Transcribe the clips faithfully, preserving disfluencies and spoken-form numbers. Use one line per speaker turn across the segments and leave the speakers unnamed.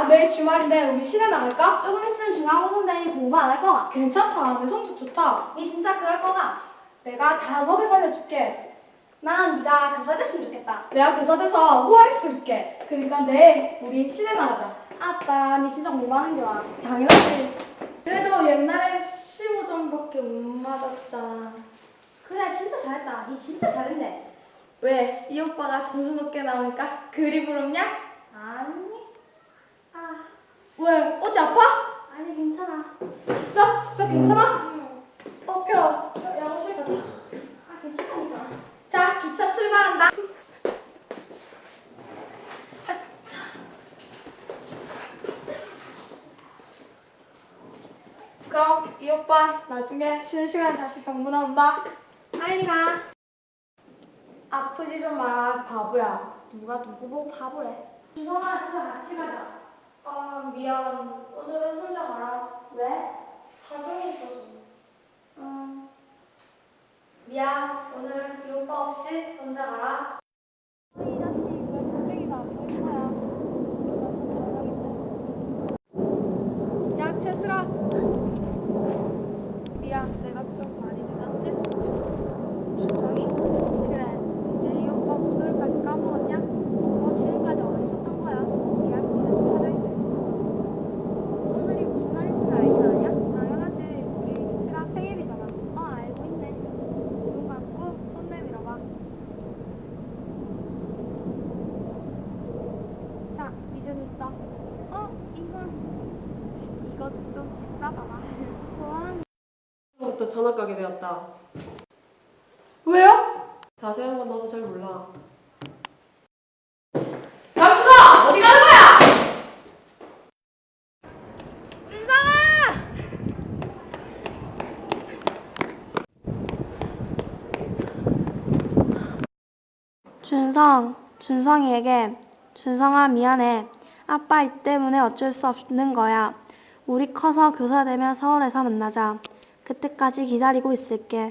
내일 주말인데 우리 시내 나갈까?
조금 있으면 중간고사 내니 공부 안 할 거가.
괜찮다. 내 성적 좋다.
니 진짜 그럴 거가.
내가 다 먹여 살려줄게.
난 네가 교사 됐으면 좋겠다.
내가 교사 돼서 후하게 시켜줄게. 그러니까 내일 우리 시내 나가자.
아따, 니 진짜 공부하는 게 와.
당연하지. 그래도 옛날에 십오 점밖에 못 맞았다.
그래, 진짜 잘했다. 니 진짜 잘했네.
왜? 이 오빠가 점수 높게 나오니까 그리 부럽냐?
아니. 아,
왜? 어디 아파?
아니 괜찮아.
진짜? 진짜 괜찮아?
응.
어, 펴. 양호실 가자.
아, 괜찮다니까.
자, 기차 출발한다. 그럼 이 오빠 나중에 쉬는 시간에 다시 방문한다.
빨리 가.
아프지 좀 마, 바보야. 누가 누구 보고 바보래.
준성아, 집에 같이 가자.
아, 미안. 오늘은 혼자 가라.
왜?
사정이 있어서.
음.
미안. 오늘은 이 오빠 없이 혼자 가라.
이 자식, 왜 고백이가 안 보인 거야?
야, 채슬아. 미안, 내가 좀 많이 늦었지?
준성이?
그래. 이제 이 오빠 목소리까지 까먹었냐?
어, 지금까지 어딨었던 거야?
미안해, 사정이.
오늘이 무슨 날인지 알긴 아냐?
당연하지. 우리 미스가 생일이잖아.
어, 알고 있네.
눈 감고 손 내밀어봐. 자, 이제 눈 떠.
어, 이건
이것 좀 비싸잖아.
뭐하는
부터 전학 가게 되었다.
왜요?
자세한 건 나도 잘 몰라.
남준아! 어디 가는 거야?
준성, 준성이에게 준성아 미안해. 아빠 일 때문에 어쩔 수 없는 거야. 우리 커서 교사 되면 서울에서 만나자. 그때까지 기다리고 있을게.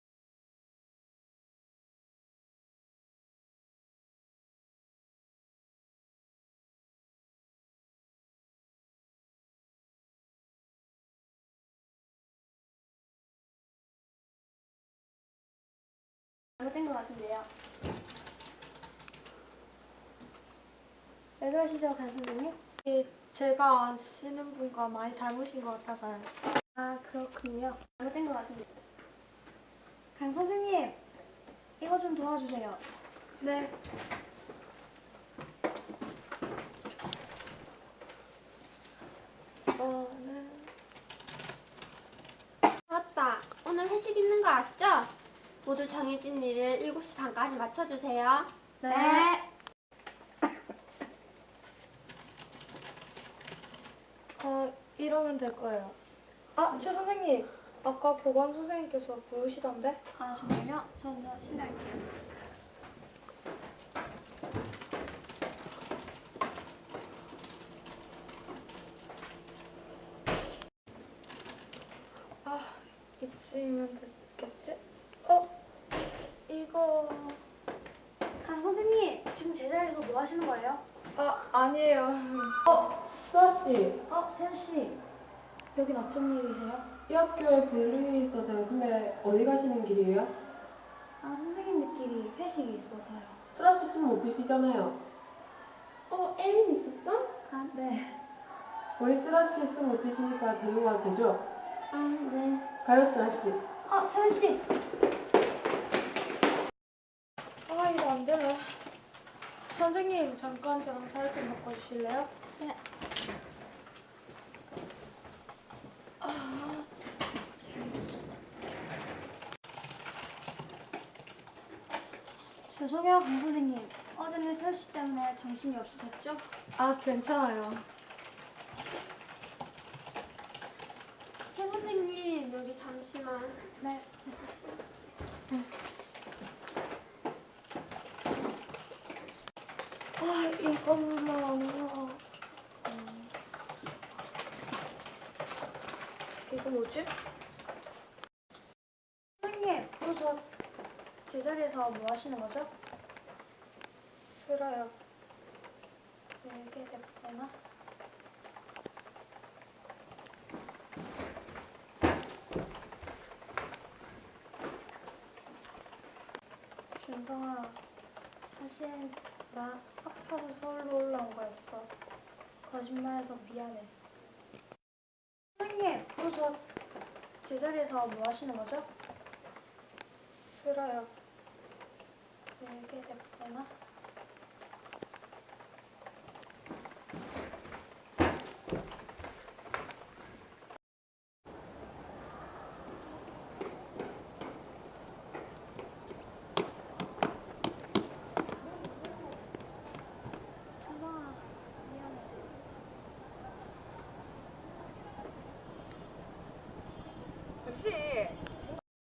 잘못된 것 같은데요. 왜 그러시죠, 강 선생님?
제가 아시는 분과 많이 닮으신 것 같아서요.
아, 그렇군요. 잘못된 것 같은데. 강 선생님, 이거 좀 도와주세요.
네. 이거는
맞다. 오늘 회식 있는 거 아시죠? 모두 정해진 일을 일곱 시 반까지 맞춰주세요. 네.
어, 이러면 될 거예요. 아, 최 선생님. 아까 보관 선생님께서 부르시던데?
아, 정말요? 저는 실례할게요.
아, 이쯤이면 됐겠지? 어? 이거...
강 선생님, 지금 제자리에서 뭐 하시는 거예요?
아, 아니에요.
수아씨,
어, 세연씨. 여긴 어쩐 일이세요?
이 학교에 볼일이 있어서요. 근데 어디 가시는 길이에요?
아, 선생님들끼리 회식이 있어서요.
수아씨 술 못 드시잖아요.
어, 애인 있었어?
아, 네.
우리 수아씨 술 못 드시니까 데려가도 되죠?
아, 네.
가요, 수아씨.
어, 세연씨.
아, 이거 안 되네. 선생님, 잠깐 저랑 자리 좀 바꿔주실래요?
네.
아...
죄송해요, 강 선생님. 어제는 세연씨 때문에 정신이 없으셨죠?
아, 괜찮아요.
최 선생님, 여기 잠시만. 네.
아, 이것만... 음... 이거 뭐지?
선생님, 또 저 제자리에서 뭐 하시는 거죠?
싫어요.
알게 됐구나.
준성아, 사실 나 아파서 서울로 올라온 거였어. 거짓말해서 미안해. 선생님, 그리고 저 제자리에서 뭐 하시는 거죠? 싫어요. 왜 이렇게 됐구나.